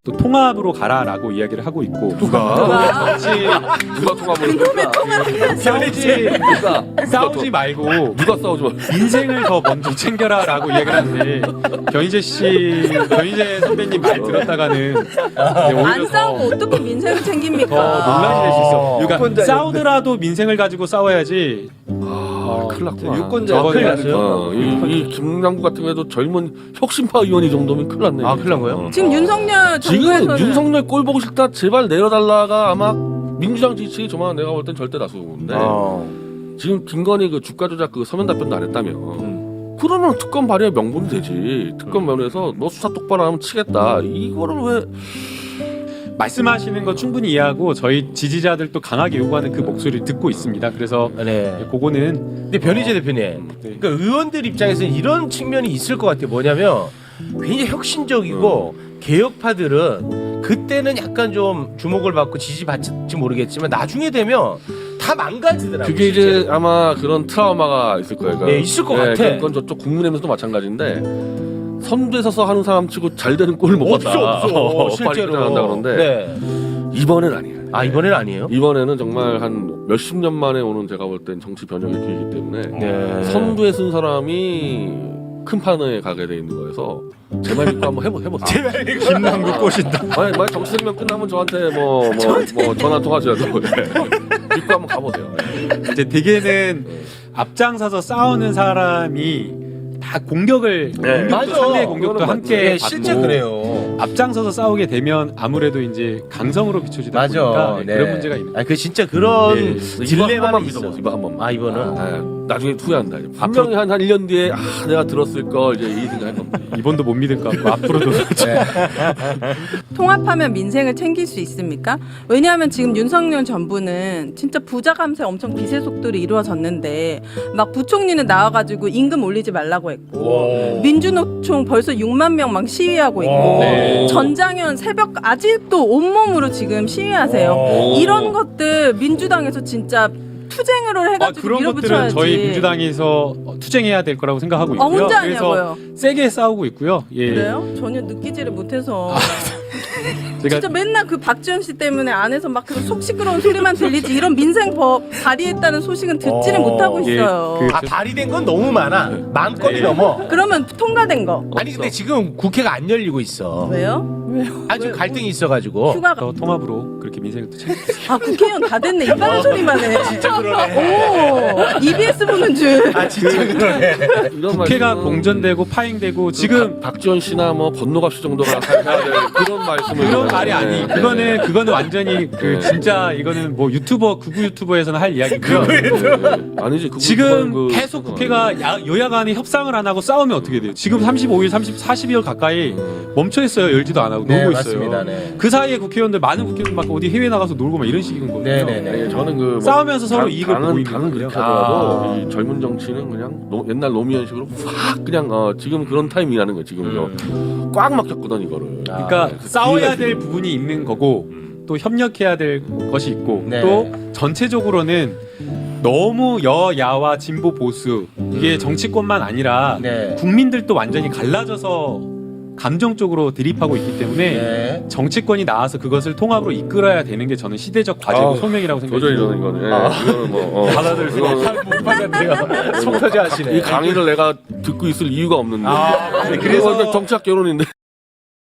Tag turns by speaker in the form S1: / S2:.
S1: 또 통합으로 가라라고 이야기를 하고 있고
S2: 누가 통합을
S1: 싸우지 말고
S2: 누가 싸우지 마.
S1: 인생을 더 먼저 챙겨라라고 이야기를 하는데 변희재 선배님 말 들었다가는 오히려
S3: 안 싸우고 어떻게 민생을
S1: 더
S3: 챙깁니까?
S1: 논란이 될 수 있어. 그러니까
S4: 유권자
S1: 싸우더라도 민생을 가지고 싸워야지.
S2: 큰일 났구나.
S4: 유권자
S1: 저거는
S4: 큰일 났어요.
S2: 이 김남국 같은 경우에도 젊은 혁신파 의원이 정도면 큰일 났네.
S5: 아, 큰일 난 거예요?
S3: 지금 윤석열
S2: 지금
S3: 정부에서는
S2: 윤석열 꼴 보고 싶다 제발 내려달라가 아마 민주당 지지층이 저만 내가 볼 땐 절대 다수인데 지금 김건희 그 주가 조작 그 서면 답변도 안 했다며. 그러면 특검 발의에 명분이 되지. 특검 면에서 너 수사 똑바로 하면 치겠다. 이거를 왜
S1: 말씀하시는 거 충분히 이해하고 저희 지지자들도 강하게 요구하는 그 목소리를 듣고 있습니다. 그래서
S5: 네.
S1: 그거는
S5: 근데 변희재 대표님, 그러니까 의원들 입장에서는 이런 측면이 있을 것 같아요. 뭐냐면 굉장히 혁신적이고 개혁파들은 그때는 약간 좀 주목을 받고 지지받을지 모르겠지만 나중에 되면 다 망가지더라고요.
S2: 그게 이제
S5: 실제로.
S2: 아마 그런 트라우마가 있을 거예요.
S5: 네, 있을 것 같아.
S2: 그건 저쪽 국민의힘에서도 마찬가지인데 선두에 서서 하는 사람 치고 잘 되는 꼴을 못 봤다.
S5: 없어.
S2: 빨리
S5: 실제로.
S2: 한다 그러는데
S5: 네.
S2: 이번엔 아니에요.
S5: 아, 이번엔 아니에요?
S2: 이번에는 정말 한 몇십 년 만에 오는 제가 볼 땐 정치 변혁의 기회이기 때문에
S5: 네.
S2: 선두에 쓴 사람이 큰 판에 가게 돼 있는 거여서 제 말 믿고 한번 해보세요.
S1: 김남국 꼬신다.
S2: 만약 정치 생명 끝나면 저한테 뭐 전화 통화하셔도 믿고 한번 가보세요.
S1: 이제 대개는 앞장서서 싸우는 사람이 다 공격을
S5: 맞아.
S1: 상대의 공격도
S2: 그거는
S1: 함께
S5: 네,
S1: 받고
S5: 실제 그래요.
S1: 앞장서서 싸우게 되면 아무래도 이제 강성으로 비춰지다
S5: 맞아.
S1: 보니까
S5: 네.
S1: 그런 문제가 있는.
S5: 아, 그 진짜 그런
S1: 네.
S2: 이번 한
S5: 딜레마만
S2: 번만
S5: 있어.
S2: 믿어보세요. 이번 한 번만.
S5: 아, 이번은.
S2: 나중에 후회한다. 분명히 한 1년 뒤에 내가 들었을 걸 이제 이 생각할 겁니다.
S1: 이번도 못 믿을 것 같고 앞으로도
S3: 통합하면 민생을 챙길 수 있습니까? 왜냐하면 지금 윤석열 정부는 진짜 부자 감세 엄청 기세 속도로 이루어졌는데 막 부총리는 나와가지고 임금 올리지 말라고 했고 민주노총 벌써 6만 명 막 시위하고 있고
S1: 네.
S3: 전장현 새벽 아직도 온몸으로 지금 시위하세요. 이런 것들 민주당에서 진짜 투쟁으로 해가지고
S1: 그런 것들은
S3: 밀어붙여야지.
S1: 저희 민주당에서 투쟁해야 될 거라고 생각하고 있고요.
S3: 혼자
S1: 그래서
S3: 하냐고요?
S1: 세게 싸우고 있고요. 예.
S3: 그래요? 전혀 느끼지를 못해서
S1: 제가
S3: 진짜 맨날 그 박지원 씨 때문에 안에서 막 그 속 시끄러운 소리만 들리지 이런 민생법 발의했다는 소식은 듣지를 못하고
S1: 예,
S3: 있어요.
S1: 그-
S5: 아, 발의된 건 너무 많아. 만 건이 넘어.
S3: 그러면 통과된 거
S5: 아니, 근데 지금 국회가 안 열리고 있어.
S3: 왜요?
S5: 아주 갈등이 있어가지고.
S3: 휴가가
S1: 더 통합으로 그렇게 민생을 또 챙겨.
S3: 아 국회의원 다 됐네 이딴 소리만 해. 진짜 그러네. 오 EBS 보는 줄.
S5: 아, 진짜 그러네.
S2: 이런
S1: 국회가
S2: 말씀은
S1: 공전되고 파행되고 지금
S2: 박지원 씨나 뭐 건노갑 씨 정도가 해야 될 그런 말씀을
S1: 그런 말이 아니. 그거는 완전히 그 진짜 이거는 뭐 유튜버 극우 유튜버에서는 할 이야기고요.
S2: 아니지. 그거
S1: 지금
S2: 그-
S1: 계속 국회가 여야 간에 협상을 안 하고 싸우면 어떻게 돼요? 지금 35일, 40일 가까이 멈춰 있어요. 열지도 안 하고
S5: 네,
S1: 놀고
S5: 맞습니다.
S1: 있어요.
S5: 네.
S1: 그 사이에 국회의원들 많은 국회의원들 막 어디 해외 나가서 놀고 막 이런 식인 거예요.
S5: 네네네.
S2: 아니, 저는 그
S1: 싸우면서 서로 이익을 보고 있는
S2: 당은
S1: 거예요.
S2: 그렇게 하더라도 이 젊은 정치는 그냥 옛날 노무현식으로 확 그냥 지금 그런 타이밍이라는 거예요. 지금 꽉 막혔거든 이거를.
S1: 그러니까
S2: 그
S1: 싸워야
S2: 기회가
S1: 될 부분이 있는 거고 또 협력해야 될 것이 있고
S5: 네.
S1: 또 전체적으로는 너무 여야와 진보 보수 이게 정치권만 아니라
S5: 네.
S1: 국민들도 완전히 갈라져서 감정적으로 대립하고 있기 때문에
S5: 네.
S1: 정치권이 나와서 그것을 통합으로 이끌어야 되는 게 저는 시대적 과제고 소명이라고
S2: 도저히
S1: 생각해요.
S2: 저는 이거는 이거는
S1: 받아들일 수가
S5: 못 받았네요. 속 터져 하시네.
S2: 이 강의를 내가 듣고 있을 이유가 없는데.
S1: 그래서
S2: 정치학 결혼인데.